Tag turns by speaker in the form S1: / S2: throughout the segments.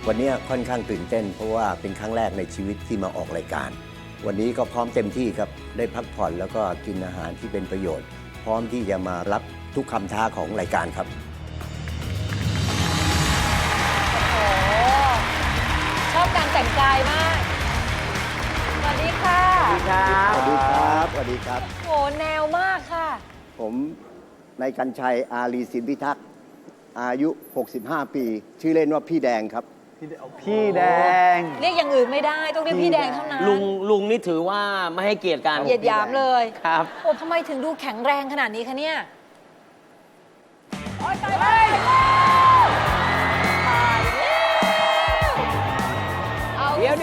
S1: วันนี้ค่อนข้างตื่นเต้นเพราะว่าเป็นครั้งแรกในชีวิตที่มาออกรายการ วันนี้ก็พร้อมเต็มที่ครับได้พักผ่อนแล้วก็กินอาหารที่เป็นประโยชน์ พร้อมที่จะมารับทุกคำท้าของรายการครับ
S2: ชอบการแต่งกายมาก สวัสดีค่ะ
S1: สวัสดีครับสวัสดีครับ
S2: โหแนวมากค่ะ
S1: ผมนายกรรชัยอารีสินพิทักษ์อายุ 65 ปี ชื่อเล่นว่าพี่แดงครับ
S3: พี่แดง
S2: เรียกอย่างอื่นไม่ได้ต้องเรียกพี่แดงเท่านั้น
S4: ลุงนี่ถือว่าไม่ให้เกียรติกัน
S2: เหยียดหยามเลย
S4: ครับ
S2: โอ้ทำไมถึงดูแข็งแรงขนาดนี้คะเนี่ยโอ๊ยตายแล้วตายแล้วเอา
S4: เดี๋ยว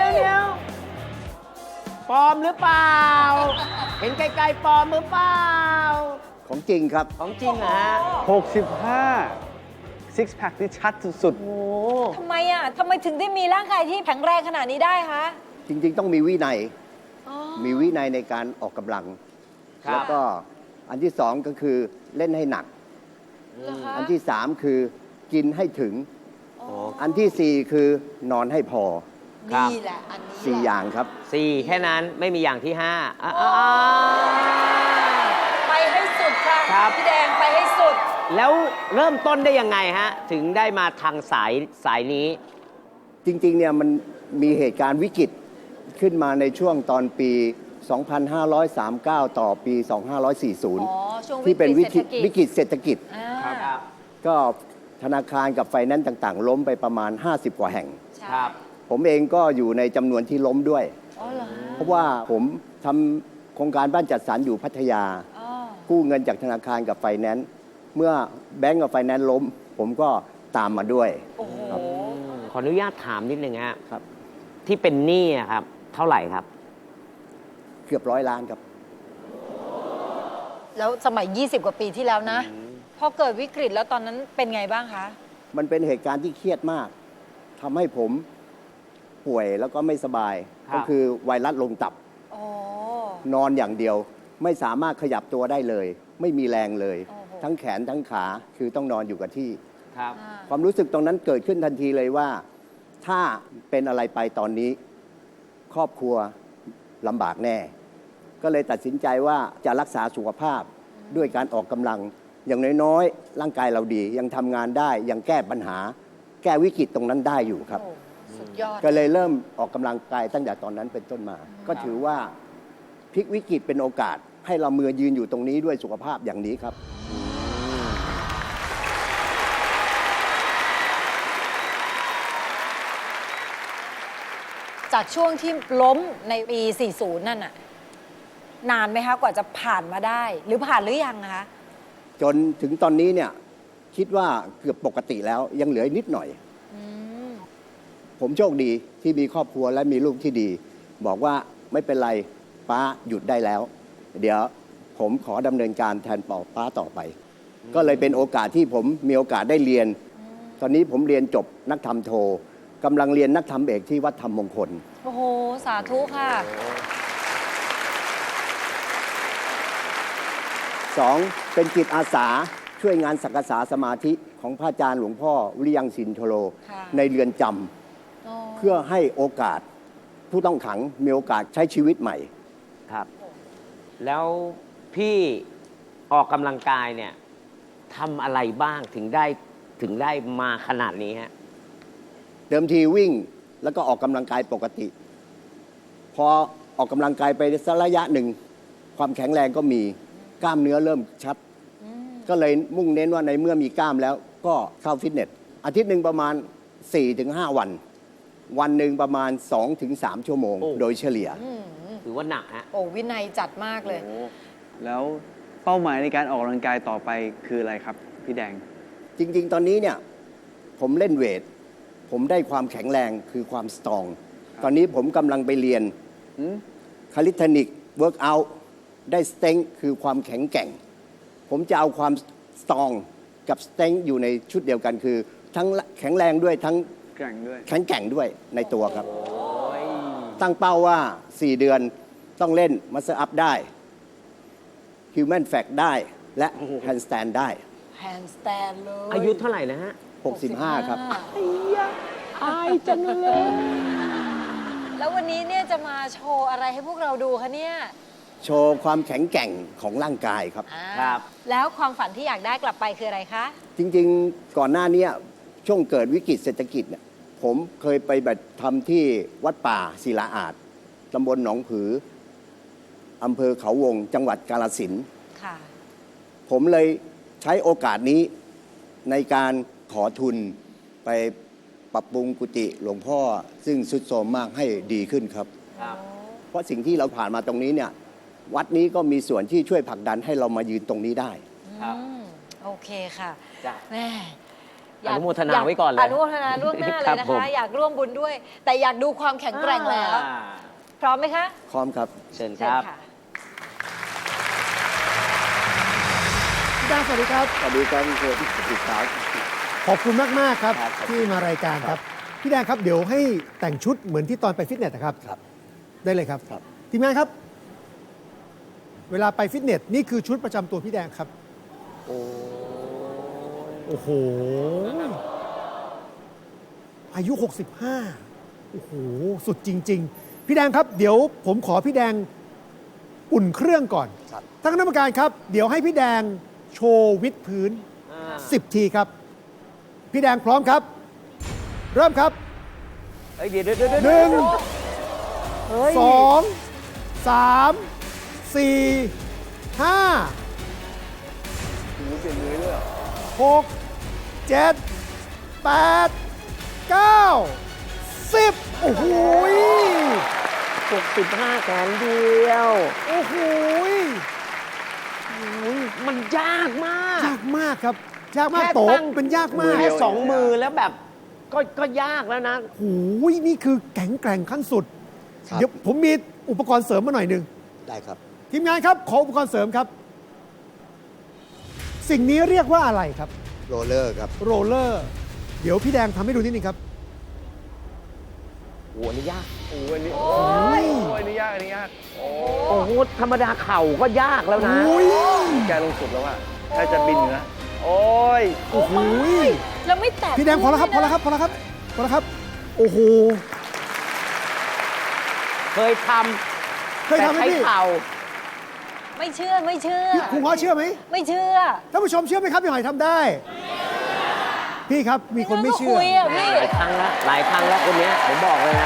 S4: ปลอมหรือเปล่า เห็นไกลๆปลอมหรือเปล่า
S1: ของจริงครับ
S4: ของจริงเหรอฮะ
S3: 65 ซิกแพคที่ชัดสุด
S4: โอ้
S2: ทำไมอ่ะทำไมถึงได้มีร่างกายที่แข็งแรงขนาดนี้ได้คะ
S1: จริงๆ ต้องมีวินัย
S2: อ๋อ
S1: มีวินัยในการออกกำลัง
S4: ครับ
S1: แล้วก็อันที่สองก็คือเล่นให้หนัก
S2: เหรอคะ
S1: อันที่สามคือกินให้ถึง
S2: อ๋อ
S1: อันที่สี่คือนอนให้พอ
S2: นี่แหละอันนี้
S1: สี่
S2: แหละ
S1: อย่างครับ
S4: สี่แค่นั้นไม่มีอย่างที่ห้าอ่ะ
S2: ไปให้สุดค่ะ
S4: ครับ
S2: พี่แดงไปให้สุด
S4: แล้วเริ่มต้นได้ยังไงฮะ ถึงได้มาทางสายนี้
S1: จริงๆ เนี่ยมันมีเหตุการณ์วิกฤตขึ้นมาในช่วงตอนปี 2539 ต่อปี
S2: อ๋อ
S1: 2540
S2: ช่วง
S1: ที่เป็นวิกฤต
S2: วิกฤตเศรษฐกิจ
S1: วิกฤตเศรษฐกิจ
S2: อ่า
S1: ก็ธนาคารกับไฟแนนซ์ต่างๆ ล้มไปประมาณ 50 กว่าแห่ง
S2: ใช่
S4: ครับ
S1: ผมเองก็อยู่ในจำนวนที่ล้มด้วย
S2: อ๋อเหรอฮะ
S1: เพราะว่าผมทำโครงการบ้านจัดสรรอยู่พัทยา
S2: อ๋อ
S1: กู้เงินจากธนาคารกับไฟแนนซ์เมื่อแบงก์กับไฟแนนซ์ล้ม ผมก็ตามมาด้วย
S2: โอ้โห
S4: ขออนุญาตถามนิดนึงฮะ
S1: ครับ
S4: ที่เป็นหนี้อะครับ เท่าไหร่ครับ
S1: เกือบ100 ล้านครับ
S2: แล้วสมัย 20 กว่าปีที่แล้วนะ พอเกิดวิกฤตแล้วตอนนั้นเป็นไงบ้างคะ
S1: มันเป็นเหตุการณ์ที่เครียดมากทำให้ผมป่วยแล้วก็ไม่สบาย
S4: ครับ
S1: ก็คือไวรัสลงตับ
S2: อ๋อ
S1: นอนอย่างเดียว ไม่สามารถขยับตัวได้เลย ไม่มีแรงเลย
S2: โอ้โห
S1: ทั้งแขนทั้งขาคือต้องนอนอยู่กับที่
S4: ครับ
S2: อ่า
S1: ความรู้สึกตรงนั้นเกิดขึ้นทันทีเลยว่า ถ้าเป็นอะไรไปตอนนี้ ครอบครัวลำบากแน่ ก็เลยตัดสินใจว่าจะรักษาสุขภาพด้วยการออกกำลัง อย่างน้อยๆ ร่างกายเราดี ยังทำงานได้ ยังแก้ปัญหา แก้วิกฤตตรงนั้นได้อยู่ครับ
S2: โอ้สุดยอด
S1: ก็เลยเริ่มออกกำลังกายตั้งแต่ตอนนั้นเป็นต้นมา ก็ถือว่าพลิกวิกฤตเป็นโอกาส ให้เรามือยืนอยู่ตรงนี้ด้วยสุขภาพอย่างนี้ครับ
S2: จากช่วงที่ล้มในปี 40 นั่นน่ะ นานไหมคะ กว่าจะผ่านมาได้ หรือผ่านหรือยังคะ
S1: จนถึงตอนนี้เนี่ยคิดว่าเกือบปกติแล้วยังเหลือนิดหน่อย
S2: อืม
S1: ผมโชคดีที่มีครอบครัวและมีลูกที่ดี บอกว่าไม่เป็นไรป้าหยุดได้แล้ว เดี๋ยวผมขอดำเนินการแทนป้าต่อไป ก็เลยเป็นโอกาสที่ผมมีโอกาสได้เรียน ตอนนี้ผมเรียนจบนักธรรมโทกำลังเรียนนักธรรมเอกที่วัดธรรมมงคล
S2: โอ้โห สาธุค่ะ
S1: 2. เป็นจิตอาสาช่วยงานสักษาสมาธิของพระอาจารย์หลวงพ่อวิริยังสินโทโล
S2: ค่ะ
S1: ในเรือนจำเพื่อให้โอกาสผู้ต้องขังมีโอกาสใช้ชีวิตใหม่
S4: ครับ แล้วพี่ออกกำลังกายเนี่ยทำอะไรบ้างถึงได้มาขนาดนี้ฮะ
S1: เดิมทีวิ่งแล้วก็ออกกำลังกายปกติ พอออกกำลังกายไปสักระยะหนึ่ง ความแข็งแรงก็มีกล้ามเนื้อเริ่มชัด ก็เลยมุ่งเน้นว่าในเมื่อมีกล้ามแล้วก็เข้าฟิตเนส อาทิตย์หนึ่งประมาณ 4-5 วัน วันหนึ่งประมาณ 2-3 ชั่วโมง
S4: โอ้
S1: โดยเฉลี่ย
S4: ถือว่าหนักฮะ
S2: โอ้วินัยจัดมากเลย
S3: แล้วเป้าหมายในการออกกำลังกายต่อไปคืออะไรครับ พี่แดง
S1: จริง ๆ ตอนนี้เนี่ยผมเล่นเวท ผมได้ความแข็งแรงคือความสตรอง ตอนนี้ผมกำลังไปเรียน
S3: อืม
S1: คาลิทานิกเวิร์กอัลได้สเต็งคือความแข็งแกร่ง ผมจะเอาความสตรองกับสเต็งอยู่ในชุดเดียวกันคือ ทั้งแข็งแรงด้วยทั้ง
S3: แกร่งด้วย
S1: แข็งแกร่งด้วยในตัวครับ ตั้งเป้าว่า 4 เดือนต้องเล่นมัส l ์อัพได้ Human Fact ได้และ Handstand ได้
S2: แฮนด์สแตนเลย
S4: อายุเท่าไหร่นะฮะ
S1: 65 ครับ
S4: อ้าจังเลย
S2: แล้ววันนี้เนี่ยจะมาโชว์อะไรให้พวกเราดูคะเนี่ย
S1: โชว์ความแข็งแกร่งของร่างกายครับ
S2: อ่า
S4: ครับ
S2: แล้วความฝันที่อยากได้กลับไปคืออะไรคะ
S1: จริงๆ ก่อนหน้าเนี้ยช่วงเกิดวิกฤตเศรษฐกิจเนี่ยผมเคยไปแบบทำที่วัดป่าศิลาอาจตำบลหนองผืออำเภอเขาวงจังหวัดกาฬสินธุ์
S2: ค่ะ
S1: ผมเลยใช้โอกาสนี้ในการขอทุนไปปรับปรุงกุฏิหลวงพ่อ ซึ่งสุดโทรมมากให้ดีขึ้นครับ
S4: ครับ
S1: เพราะสิ่งที่เราผ่านมาตรงนี้เนี่ยวัดนี้ก็มีส่วนที่ช่วยผลักดันให้เรามายืนตรงนี้ได้
S4: ครับ
S2: อืมโอเคค่ะ
S4: จ้ะ
S2: แม่
S4: อนุโมทนาไว้ก่อนเลย
S2: อนุโมทนาล่วงหน้าเล
S4: ครั
S2: ย
S4: บ
S2: นะ
S4: ผม
S2: คะ อยากร่วมบุญด้วย แต่อยากดูความแข็งแกร่งแล้ว
S4: อ่า
S2: พร้อมไหมคะ
S1: พร้อมครับ
S4: เชิญค
S2: เชิญ
S4: รับ
S2: ค่ะ
S5: พี่แดงสวัสดีครับ
S1: สวัสดีครับคุณครูที่ติดตาม
S5: ขอบคุณมาก ๆ ครับ
S1: ครับ
S5: ที่มารายการครับ พี่แดงครับเดี๋ยวให้แต่งชุดเหมือนที่ตอนไปฟิตเนสนะครับ
S1: ครับ
S5: ได้เลยครับ
S1: ครับ
S5: ทีมงานครับ เวลาไปฟิตเนสนี่คือชุดประจำตัวพี่แดงครับ โอ้โห อายุ 65 โอ้โห สุดจริง ๆ พี่แดงครับ เดี๋ยวผมขอพี่แดงอุ่นเครื่องก่อน
S1: ครับ
S5: ท่านคณะกรรมการครับ เดี๋ยวให้พี่แดงโชว์วิดพื้น 10 ทีครับ พี่แดงพร้อมครับ เริ่มครับ
S4: เอ้ยเดี๋ยวเดี๋ยวเดี๋ยว
S5: หนึ่ง
S4: เฮ้ย
S5: สองสามสี่ห้าหกเจ็ดแปดเก้า10โอ้โหย
S4: 65 แขนเดียว
S5: โอ้โหย
S4: มันยากมาก
S5: ยากมากครับ ยากมาก
S4: แค่
S5: โต
S4: ตั้ง
S5: เป็นยากมาก
S4: แค่สองมือแล้วแบบก็ยากแล้วนะ
S5: โอ้โหยนี่คือแข็งแกร่งขั้นสุด
S1: ครับ
S5: เดี๋ยวผมมีอุปกรณ์เสริมมาหน่อยหนึ่ง
S1: ได้ครับ
S5: ทีมงานครับ ขออุปกรณ์เสริมครับ สิ่งนี้เรียกว่าอะไรครับ
S1: โรลเลอร์ครับ
S5: โรลเลอร์ เดี๋ยวพี่แดงทำให้ดูนิดนึงครับ
S4: โอ้โหอันนี้ยาก
S3: โอ้ยนี่
S2: โอ้ย
S3: โอ้ยนี่ยากอันนี้ยาก
S4: โอ้โห ธรรมดาเข่าก็ยากแล้วนะ
S5: โอ้ย
S3: แกลงสุดแล้วอ่ะถ้าจะบินอยู่นะ โอ้ย
S5: โอ้โห
S2: แล้วไม่แตะ
S5: พี่แดงพอแล้วครับ พ
S2: พื้
S5: อน แล้ว
S2: เลยนะครับ
S5: พอแล้วครับ พอแล้วครับ โอ้โห
S4: เคยท
S5: เค
S4: ำ
S5: ย
S4: แต่
S5: ทำไหม
S4: ใช้
S5: พี่
S4: เข่า
S2: ไม่เชื่อไม่เชื่อ
S5: พี่ครูง้อเชื่อไหม
S2: ไม่เชื่อ
S5: ท่านผู้ชมเชื่อไหมครับพี่หอยทำได้ พี่ครับ มีคนไม่เชื่อ
S2: คุยอ่ะพี่
S4: หลายครั้งแล้ว หลายครั้งแล้วคนเนี้ยผมบอกเลยนะ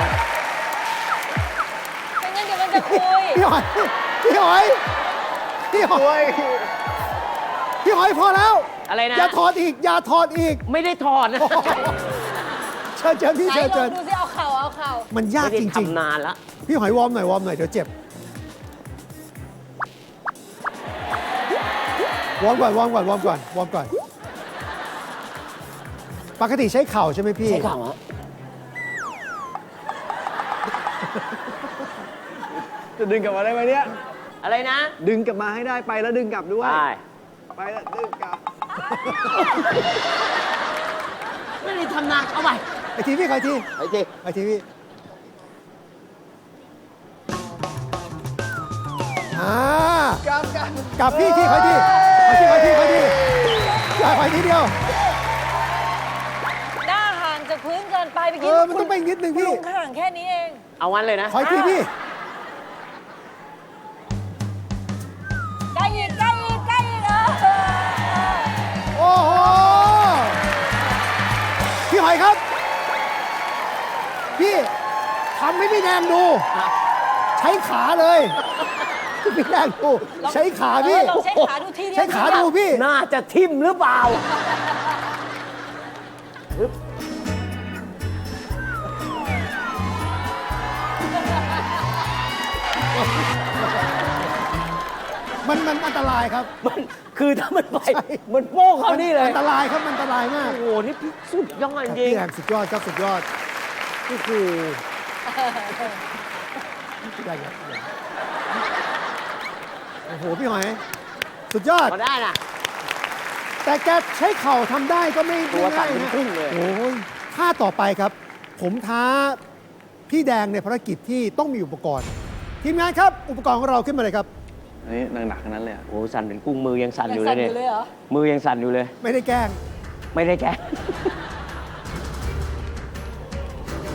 S2: ไม่งั้นเดี๋ยวมันจะคุย
S5: พี่หอย พี่หอย พี่หอย พี่หอยพอแล้ว
S4: อะไรนะ
S5: อย่าถอดอีก อย่าถอดอีก
S4: ไม่ได้ถอดนะ
S5: เชิญเชิญพี่
S2: ไหน
S5: เชิญ
S2: ลอ
S5: เชิ
S2: ง
S5: ญ
S2: ดูสิเอาเข่าเอาเข่า
S5: มันยาก
S4: ไม่ได้
S5: จริง
S4: ทำนานละ
S5: ๆ พี่หอยวอร์มหน่อยวอร์มหน่อยเดี๋ยวเจ็บ วอร์มก่อนวอร์มก่อนวอร์มก่อนวอร์มก่อน ปกติใช้เข่าใช่ไหมพี่
S4: ใช้เข่าฮะ
S3: จะดึงกลับมาได้ไหมเนี่ย
S4: อะไรนะ
S3: ดึงกลับมาให้ได้ไปแล้วดึงกลับด้วย
S4: ได้
S3: ไปแล้วดึงกลับ
S4: ไม่ได้ทำนานเอาไป
S5: ไอทีพี่ใครที
S4: ไอ้ที
S5: ไอทีพี่กลับพี่ที่ใครทีใครทีใครทีใครทีอย่าไปทีเดียว
S2: หน้าห่างจากพื้นเกินไปเมื่อ
S5: เอ
S2: กี้
S5: อ มันต้องไปอีกนิดนึง
S2: คุณ
S5: พี่
S2: ลุงห่างแค่นี้เอง
S4: เอาวันเลยนะ
S5: ขออีกทีพี่
S2: ใกล้อีกใกล้อีกใกล้อีก
S5: โอ้โห พี่หอยครับ พี่ทำให้พี่แดงดู ใช้ขาเลยพี่แดงดู ใช้ขาพี่
S2: ลองใช้ขาดูทีเดียว
S5: ใช้ขาดูพี่
S4: น่าจะทิ่มหรือเปล่า
S5: มันอันตรายครับ
S4: มันคือถ้ามันไป
S5: ใช่
S4: มันโป้งเขานี่เลย
S5: อันตรายครับ มันอันตรายมาก
S4: โอ้โห นี่พี่สุดยอดจริ
S5: พี่
S4: ง
S5: แดงสุดยอดครับสุดยอดโอ้โหพี่แดงครับโอ้โห พี่หอย สุดยอด
S4: พอได้นะ
S5: แต่แกใช้เข่าทำได้ก็ไม่
S4: ตัวสั่
S5: ง่าน ย
S4: เป็น
S5: นะ
S4: พุ่งเลย
S5: โอ้ยท่าต่อไปครับ ผมท้าพี่แดงในภารกิจที่ต้องมีอุปกรณ์ ทีมงานครับ อุปกรณ์ของเราขึ้นมาเลยครับ
S3: อันนี้หนักๆทั้งนั้นเลยอะ
S4: โอ้สั่นเป็นกุ้งมือยังสั่น
S2: ยั
S4: อง ยู่เล
S2: สั่
S4: ย
S2: นอ
S4: เนี่ย
S2: ยู่เลยเหรอ
S4: มือยังสั่นอยู่เลย
S5: ไม่ได้แกล้ง
S4: ไม่ได้แกะ
S5: พ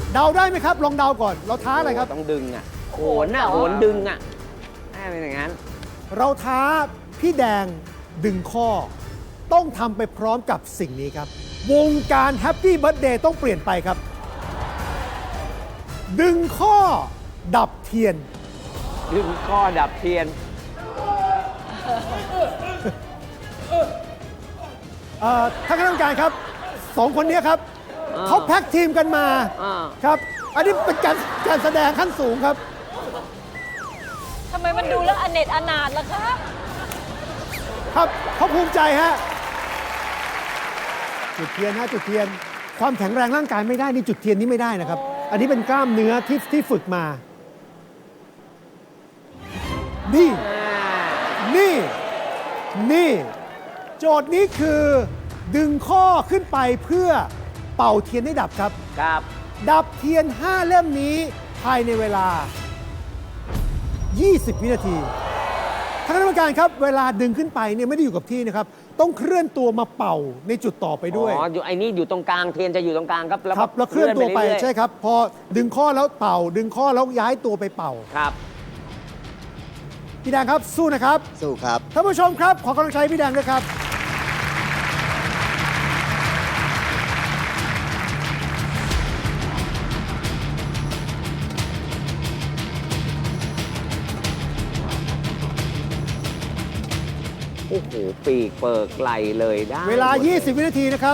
S5: เดาได้ไหมครับ ลองเดาก่อน เราท้าอะไรครับ
S4: ต้องดึงอ่ะโหนอ่ะโหนดึงอ่ะน่าเป็นอย่างนั้น
S5: เราท้าพี่แดงดึงข้อ ต้องทำไปพร้อมกับสิ่งนี้ครับ วงการแฮปปี้เบิร์ a เดย์ต้องเปลี่ยนไปครับ ดึงข้อดับเทียน
S4: ดึงข้อดับเทียน
S5: ท่านคณะกรรมการครับสองคนนี้ครับ
S4: อ่า
S5: เขาแพ็กทีมกันมา
S4: อ่า
S5: ครับ อันนี้เป็นการแสดงขั้นสูงครับ
S2: ทำไมมันดูแล้วอเนจอนาถล่ะคะ
S5: ครับเขาภูมิใจฮะจุดเทียนฮะจุดเทียน ความแข็งแรงร่างกายไม่ได้นี่จุดเทียนนี้ไม่ได้นะครับ อันนี้เป็นกล้ามเนื้อที่ฝึกมา นี่ นี่ โจทย์นี้คือดึงข้อขึ้นไปเพื่อเป่าเทียนให้ดับครับ
S4: ครับ
S5: ดับเทียน 5 เล่มนี้ภายในเวลา 20 วินาทีท่านคณะกรรมการครับ เวลาดึงขึ้นไปเนี่ยไม่ได้อยู่กับที่นะครับ ต้องเคลื่อนตัวมาเป่าในจุดต่อไปด้วย
S4: อ๋ออยู่ไอ้นี่อยู่ตรงกลางเทียนจะอยู่ตรงกลางครับ
S5: ครับแล้วเคลื่อนตัวไป
S4: เรื่อยๆ
S5: ใช่ครับ พอดึงข้อแล้วเป่า ดึงข้อแล้วย้ายตัวไปเป่า
S4: ครับ
S5: พี่แดงครับสู้นะครับ
S1: สู้ครับ
S5: ท่านผู้ชมครับ ขอกำลังใจพี่แดงด้วยครับ
S4: โอ้โห ปีกเปิกไหลเลยได้
S5: เวลา
S4: หมดย
S5: 20 วินาทีนะครับ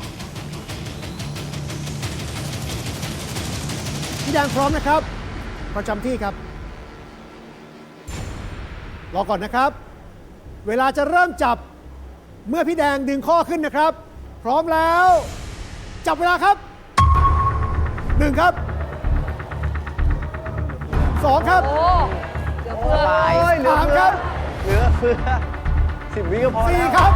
S5: พี่แดงพร้อมนะครับ ประจำที่ครับ รอก่อนนะครับ เวลาจะเริ่มจับเมื่อพี่แดงดึงข้อขึ้นนะครับ พร้อมแล้ว จับเวลาครับ 1 ครับ 2 ครับ
S2: โอ้เดี๋ยวเพื่อ
S5: 3 ครับ
S3: เหลือเฟือ10 วิก็พอแล้ว
S5: 4 ครับ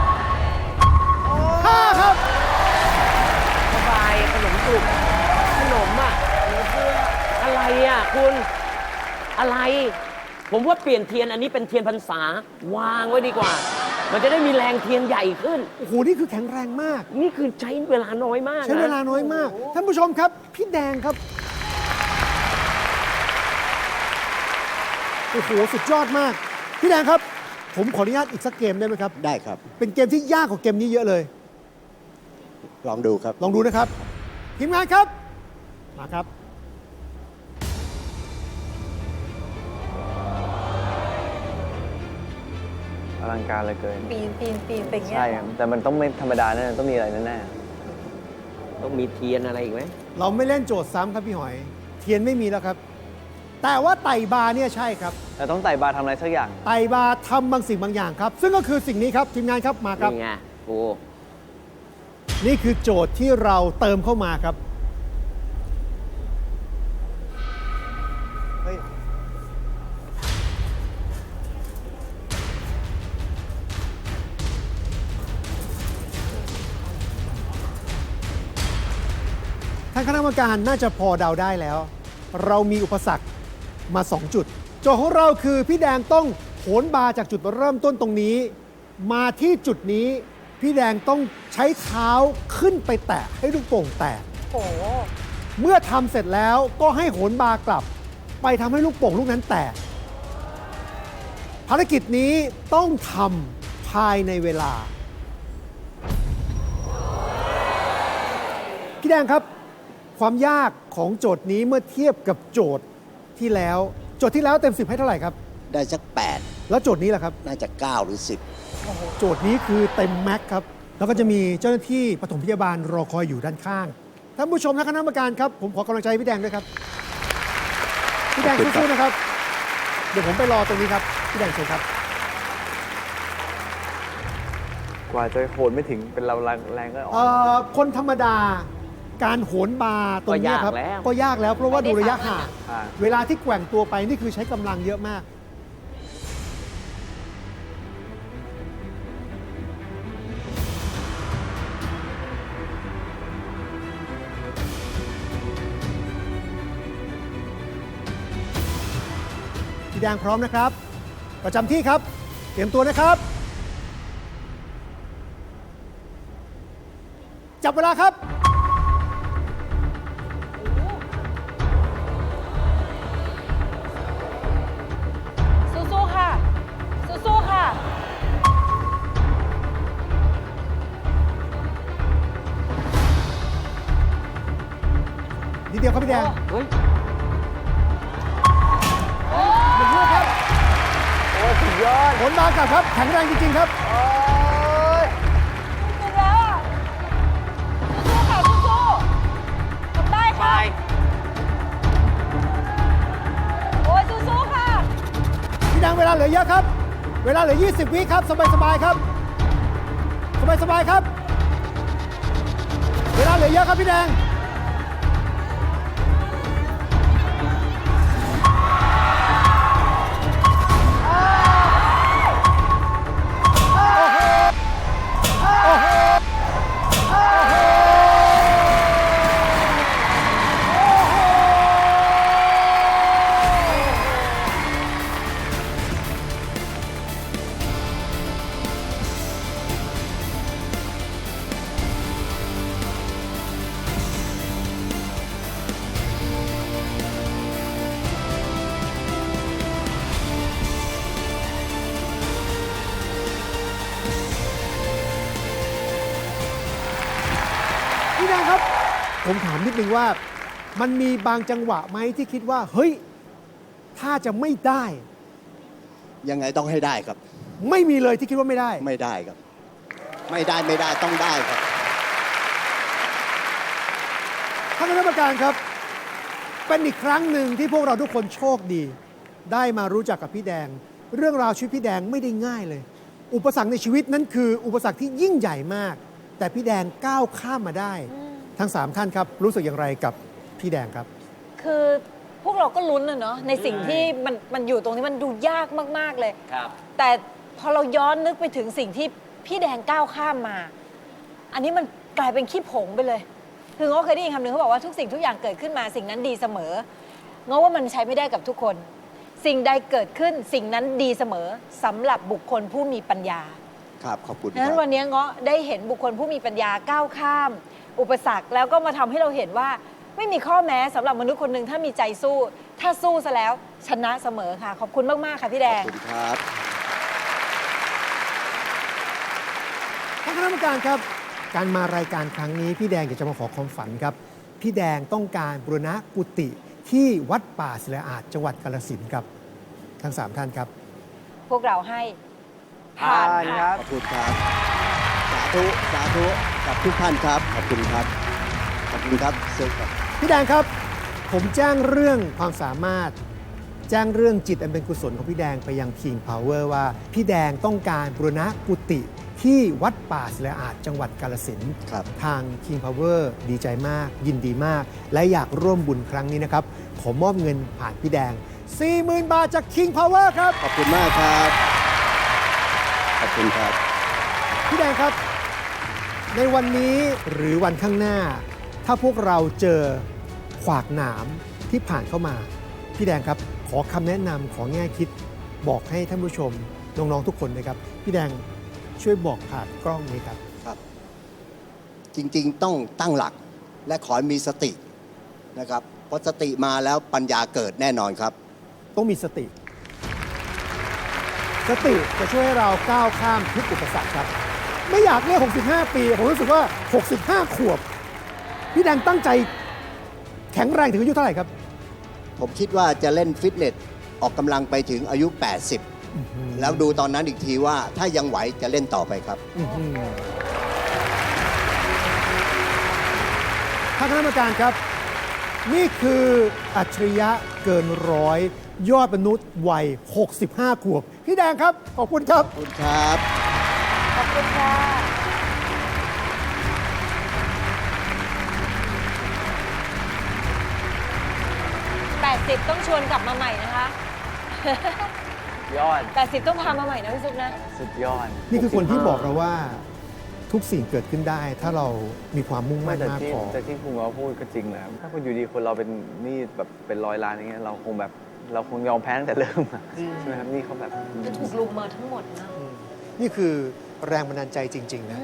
S5: 5 ครับ
S4: สบายขนมสุกขนมอ่ะเหลือเฟืออะไรอ่ะคุณ อะไร ผมว่าเปลี่ยนเทียนอันนี้เป็นเทียนพรรษาวางไว้ดีกว่า มันจะได้มีแรงเทียนใหญ่ขึ้น
S5: โอ้โห นี่คือแข็งแรงมาก
S4: นี่คือใช้เวลาน้อยมากนะ
S5: ใช้เวลาน้อยมาก ท่านผู้ชมครับ พี่แดงครับ โอ้โห สุดยอดมาก พี่แดงครับ ผมขออนุญาตอีกสักเกมได้ไหมครับ
S1: ได้ครับ
S5: เป็นเกมที่ยากกว่าเกมนี้เยอะเลย
S1: ลองดูครับ
S5: ลองดูนะครับ ทีมงานครับ มาครับ
S3: อลังการเหลยเกิน
S2: ปีนเป็นอย่างเงี้ย
S3: ใช่ครับแต่มันต้องไม่ธรรมดาแน่ต้องมีอะไรแน่
S4: ต้องมีเทียนอะไรอีกไหม
S5: เราไม่เล่นโจทย์ซ้ำครับพี่หอย เทียนไม่มีแล้วครับ แต่ว่าไต่บาร์เนี่ยใช่ครับ
S3: ๆแต่ต้องไต่บาร์ทำอะไรสักอย่าง
S5: ไต่บาร์ทำบางสิ่งบางอย่างครับ ซึ่งก็คือสิ่งนี้ครับ ทีมงานครับ มาครับ
S4: นี่ไงโอ้
S5: นี่คือโจทย์ที่เราเติมเข้ามาครับ ท่านคณะกรรมการน่าจะพอเดาได้แล้ว เรามีอุปสรรคมา 2 จุด โจทย์ของเราคือพี่แดงต้องโหนบาร์จากจุดเริ่มต้นตรงนี้ มาที่จุดนี้ พี่แดงต้องใช้เท้าขึ้นไปแตะให้ลูกโป่งแตก
S2: โอ้โห
S5: เมื่อทำเสร็จแล้วก็ให้โหนบาร์กลับ ไปทำให้ลูกโป่งลูกนั้นแตก ภารกิจนี้ต้องทำภายในเวลา พี่แดงครับ ความยากของโจทย์นี้เมื่อเทียบกับโจทย์ที่แล้ว โจทย์ที่แล้วเต็ม 10 ให้เท่าไหร่ครับ
S1: ได้สัก
S5: แล้วโจทย์นี้ล่ะครับ
S1: 8 น่าจะ 9 หรือ
S5: โจทย์นี้คือเต็มแม็กซ์ครับ แล้วก็จะมีเจ้าหน้าที่ปฐมพยาบาลรอคอยอยู่ด้านข้าง ท่านผู้ชมและคณะกรรมการครับ ผมขอกำลังใจพี่แดงด้วยครับ พี่แดงสู้ๆนะครับ เดี๋ยวผมไปรอตรงนี้ครับ พี่แดงเชิญครับ
S3: กว่าจะโหนไม่ถึงเป็นเราแรงก็อ่อน
S5: คนธรรมดาการโหนบาร์ตรงเนี้ยครับ ก็ยากแล้วเพราะว่าดูระยะห่าง เวลาที่แกว่งตัวไปนี่คือใช้กำลังเยอะมาก พี่แดงพร้อมนะครับ ประจำที่ครับ เตรียมตัวนะครับ จับเวลาครับนิดเดียวครับพี่แดง
S4: เฮ้ย
S5: หนึ่งลูกครับ
S3: โอ้สุดยอด
S5: ผลมากลับครับ แข็งแรงจริง ๆ ครับ
S3: โอ้ย
S2: สุดแล้วอ่ะสู้ๆค่ะสู้ๆทำได้ค่ะ โอ้ยสู้ๆค่ะ
S5: พี่แดงเวลาเหลือเยอะครับ เวลาเหลือ 20 วิครับ สบายๆครับ สบายๆครับ เวลาเหลือเยอะครับพี่แดง พี่แดงครับ ผมถามนิดนึงว่า มันมีบางจังหวะไหมที่คิดว่า เฮ้ย ถ้าจะไม่ได้
S1: ยังไงต้องให้ได้ครับ
S5: ไม่มีเลยที่คิดว่าไม่ได้
S1: ไม่ได้ครับ ไม่ได้ต้องได้ครับ
S5: ท่านคณะกรรมการครับ เป็นอีกครั้งหนึ่งที่พวกเราทุกคนโชคดี ได้มารู้จักกับพี่แดง เรื่องราวชีวิตพี่แดงไม่ได้ง่ายเลย อุปสรรคในชีวิตนั้นคืออุปสรรคที่ยิ่งใหญ่มาก แต่พี่แดงก้าวข้ามมาได้ ทั้ง 3 ท่านครับ รู้สึกอย่างไรกับพี่แดงครับ
S2: คือพวกเราก็ลุ้นนะเนาะในสิ่งที่มันอยู่ตรงนี้มันดูยากมากๆเลย
S4: ครับ
S2: แต่พอเราย้อนนึกไปถึงสิ่งที่พี่แดงก้าวข้ามมา อันนี้มันกลายเป็นขี้ผงไปเลย คือง้อเคยได้ยินคำหนึ่งเขาบอกว่าทุกสิ่งทุกอย่างเกิดขึ้นมาสิ่งนั้นดีเสมอง้อว่ามันใช้ไม่ได้กับทุกคน สิ่งใดเกิดขึ้นสิ่งนั้นดีเสมอสำหรับบุคคลผู้มีปัญญา
S1: ครับ ขอบคุณ
S2: ดั
S1: ค
S2: งนั้
S1: รั
S2: น
S1: บ
S2: วันนี้เงาะได้เห็นบุคคลผู้มีปัญญาก้าวข้าม อุปสรรคแล้วก็มาทำให้เราเห็นว่า ไม่มีข้อแม้สำหรับมนุษย์คนหนึ่งถ้ามีใจสู้ ถ้าสู้ซะแล้วชนะเสมอค่ะ ขอบคุณมาก ๆ ค่ะพี่แด
S1: ของ บคุณครับ
S5: ท่านคณะกรรมการครับ การมารายการครั้งนี้พี่แดงอยากจะมาขอความฝันครับ พี่แดงต้องการบูรณะกุฏิที่วัดป่าศิลาอาจจังหวัดกาฬสินธุ์ครับ ทั้ง 3 ท่านครับ
S2: พวกเราให้ผ่าน
S3: ผ่านค
S2: ค่ะ
S3: รับ
S1: ขอบคุณครับ สาธุกับทุกท่านครับ ขอบคุณครับ ขอบคุณครับสุขครับ
S5: พี่แดงครับ ผมแจ้งเรื่องความสามารถ แจ้งเรื่องจิตอันเป็นกุศลของพี่แดงไปยัง King Power ว่าพี่แดงต้องการบูรณะกุฏิที่วัดป่าศิลาอาจจังหวัดกาฬสินธุ์
S1: ครับ
S5: ทาง King Power ดีใจมาก ยินดีมาก และอยากร่วมบุญครั้งนี้นะครับ ขอมอบเงินผ่านพี่แดง 40,000 บาทจาก King Power ครับ
S1: ขอบคุณมากครับ ขอบคุณครับ
S5: พี่แดงครับ ในวันนี้หรือวันข้างหน้า ถ้าพวกเราเจอขวากหนามที่ผ่านเข้ามา พี่แดงครับ ขอคำแนะนำขอแง่คิด บอกให้ท่านผู้ชม น้อง ๆ ทุกคนนะครับ พี่แดงช่วยบอกผ่านกล้องนี้ครับ
S1: ครับ จริงๆต้องตั้งหลักและขอให้มีสตินะครับเพราะสติมาแล้วปัญญาเกิดแน่นอนครับ
S5: ต้องมีสติ สติจะช่วยให้เราก้าวข้ามทุกอุปสรรคครับ ไม่อยากเรียก65 ปี ผมรู้สึกว่า 65 ขวบ พี่แดงตั้งใจแข็งแรงถึงอายุเท่าไหร่ครับ
S1: ผมคิดว่าจะเล่นฟิตเนสออกกำลังไปถึงอายุ 80 แล้วดูตอนนั้นอีกทีว่าถ้ายังไหวจะเล่นต่อไปครับ
S5: ท่านคณะกรรมการครับ นี่คืออัจฉริยะเกินร้อยยอดมนุษย์วัย 65 ขวบ พี่แดงครับ ขอบคุณครับ
S1: ขอบคุณครับ
S2: ขอบคุณค่ะ80ต้องชวนกลับมาใหม่นะคะ
S3: ยอด
S2: 80ต้องพามาใหม่นะพี่ซุปนะ
S3: สุดยอด
S5: นี่คือคนที่บอกเราว่าทุกสิ่งเกิดขึ้นได้ ถ้าเรามีความมุ่งมั่น
S3: แต่
S5: มาก
S3: ที่
S5: พอ
S3: แต่ที่คุณเขาพูดก็จริงแหละถ้าคุณอยู่ดีคนเราเป็นหนี้แบบเป็น100 ล้านอย่างเงี้ยเราคงแบบเราคงยอมแพ้ตั้งแต่เริ่มอะใช่ไหมครับนี่เขาแบบ
S2: จะถูกลุมมาทั้งหมดนะ
S5: นี่คือแรงบันดาลใจจริง ๆ นะ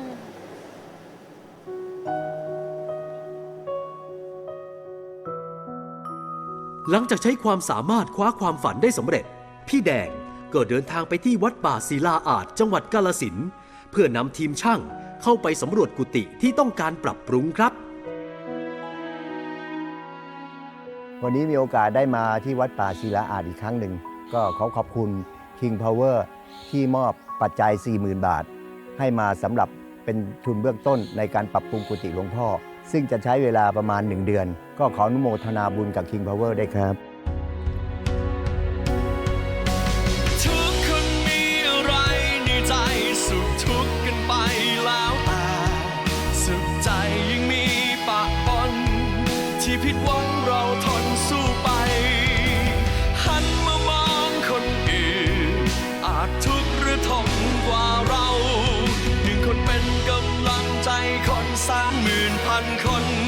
S6: หลังจากใช้ความสามารถคว้าความฝันได้สำเร็จ พี่แดงก็เดินทางไปที่วัดป่าศิลาอาจจังหวัดกาฬสินธุ์เพื่อนำทีมช่างเข้าไปสำรวจกุฏิที่ต้องการปรับปรุงครับ
S1: วันนี้มีโอกาสได้มาที่วัดป่าศิลาอาจอีกครั้งหนึ่ง ก็ขอบคุณ King Power ที่มอบปัจจัย 40,000 บาท ให้มาสำหรับเป็นทุนเบื้องต้นในการปรับปรุงกุฏิหลวงพ่อ ซึ่งจะใช้เวลาประมาณ 1 เดือน ก็ขออนุโมทนาบุญกับ King Power ได้วยครับ
S7: ทุกคนมีอะไรในใจสุขทุกข์กันไปแล้วแต่สุขใจยังมีปะปนที่ผิดหวังเราทนสู้ไป หันมามองคนอื่นอาจทุกข์หรือทนกว่าเราหนึ่งคนเป็นกำลังใจคน30,000 พันคน